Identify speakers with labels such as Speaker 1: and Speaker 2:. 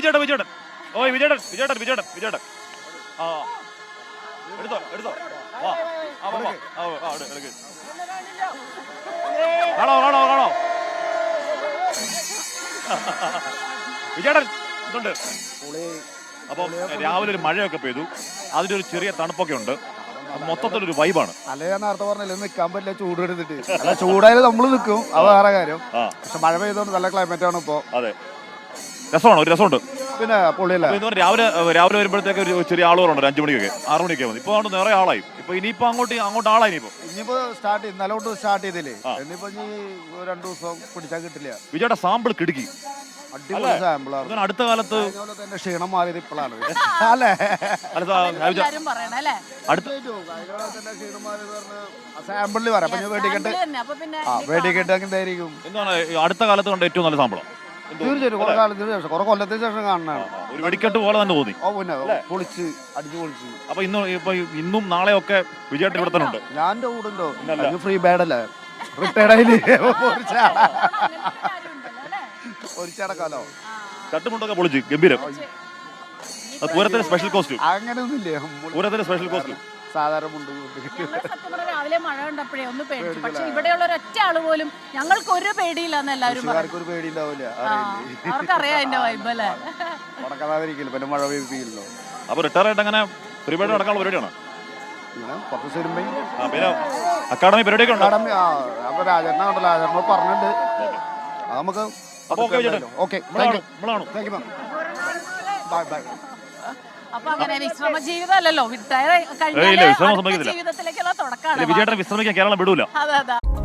Speaker 1: വിജയേട്ടൻ. ഓ വിജയേട്ടൻ. ആ എടുത്തോ. വാ. എടുക്ക്. കാണോ. വിജയേട്ടൻ ഇതുണ്ട്. അപ്പം രാവിലെ ഒരു മഴയൊക്കെ പെയ്തു, അതിന്റെ ഒരു ചെറിയ തണുപ്പൊക്കെ ഉണ്ട്, മൊത്തത്തിലൊരു വൈബാണ്.
Speaker 2: അല്ലെ ഞാൻ നേരത്തെ പറഞ്ഞില്ല നിൽക്കാൻ പറ്റില്ല, ചൂട് എടുത്തിട്ട്. അല്ല ചൂടായാലും നമ്മൾ നിൽക്കും, അത് വേറെ കാര്യം. പക്ഷെ മഴ പെയ്തോണ്ട് നല്ല ക്ലൈമറ്റ് ആണ് ഇപ്പോ.
Speaker 1: അതെ, ഒരു രസമുണ്ട്.
Speaker 2: പിന്നെ പൊള്ളിയല്ല.
Speaker 1: രാവിലെ വരുമ്പോഴത്തേക്ക് ഒരു ചെറിയ ആളുകളുണ്ട്, 5 മണിക്കൊക്കെ 6 മണിയൊക്കെ മതി. ഇപ്പൊ അതുകൊണ്ട് നിറയെ ആളായി. ഇപ്പൊ ഇനിയിപ്പോ അങ്ങോട്ട് ആളായി.
Speaker 2: ഇനിയിപ്പോ ഇന്നലെ തൊട്ട് സ്റ്റാർട്ട് ചെയ്തില്ലേ, ഇനിയിപ്പോ 2 ദിവസം പിടിച്ചാൽ കിട്ടില്ല.
Speaker 1: വിജയുടെ സാമ്പിൾ കിടുക്കി,
Speaker 2: അടിപൊളി സാമ്പിളാണ്.
Speaker 1: അടുത്ത കാലത്ത്
Speaker 2: ക്ഷീണം മാറിയത് ഇപ്പോഴാണ് അല്ലേ? സാമ്പിളിൽ പറയാം. വെടിക്കെട്ട് എന്തായിരിക്കും
Speaker 1: എന്താണ് അടുത്ത കാലത്ത് കണ്ട ഏറ്റവും നല്ല സാമ്പിളാണ്?
Speaker 2: തീർച്ചയായിട്ടും കുറെ കാലത്തിന് ശേഷം, കുറെ കൊല്ലത്തിന് ശേഷം കാണാനാണ്.
Speaker 1: ഒരു വെടിക്കെട്ട് പോലെ തന്നെ തോന്നി.
Speaker 2: പിന്നെ പൊളിച്ച് അടിച്ചു പൊളിച്ച്.
Speaker 1: അപ്പൊ ഇന്നും നാളെയൊക്കെ വിജയേട്ടൻ ഇവിടെ തന്നെ ഉണ്ട്.
Speaker 2: ഞാൻ എന്റെ കൂടെ ഉണ്ടോ? ഫ്രീ ബാഡ് അല്ലേ, റിട്ടയർഡ് ആയില്ലേ? പൊരിച്ചടക്കാലോ.
Speaker 1: ചട്ടുമുണ്ടൊക്കെ പൊളിച്ച് ഗംഭീരം. പൂരത്തിന് സ്പെഷ്യൽ കോസ്റ്റ്യൂം
Speaker 2: അങ്ങനെയൊന്നുമില്ലേ?
Speaker 1: പൂരത്തിന് സ്പെഷ്യൽ കോസ്റ്റ്യൂം
Speaker 2: സാധാരണ മുണ്ട്.
Speaker 3: രാവിലെ മഴ കണ്ടപ്പോഴേ ഒന്ന് പേടിച്ചു. പക്ഷെ ഇവിടെയുള്ള ഒരൊറ്റ ആള് പോലും ഞങ്ങൾക്ക് ഒരു പേടിയില്ലെന്ന് എല്ലാവരും
Speaker 2: ഒരു പേടി ഉണ്ടാവില്ല.
Speaker 3: അവർക്കറിയാം എന്റെ വൈബ് അല്ലേ.
Speaker 2: നടക്കാതിരിക്കില്ല, പിന്നെ മഴ പെയ്യില്ലോ.
Speaker 1: അപ്പൊ റിട്ടയർ ആയിട്ട് അങ്ങനെ പരിപാടി നടക്കാനുള്ള പരിപാടിയാണ്. പിന്നെ അക്കാഡമി പരിപാടിയൊക്കെ ഉണ്ട്.
Speaker 2: അപ്പൊ രാജേട്ടനുണ്ടല്ലോ, രാജേട്ടനോട് പറഞ്ഞിട്ടുണ്ട്. നമുക്ക്
Speaker 3: അപ്പൊ അങ്ങനെ വിശ്രമ ജീവിതമല്ലല്ലോ, റിട്ടയർ കഴിഞ്ഞ ജീവിതത്തിലേക്കുള്ള തുടക്കമാണ്.
Speaker 1: വിജയേട്ടൻ വിശ്രമിക്കാൻ കേരളം വിടൂല.
Speaker 3: അതെ.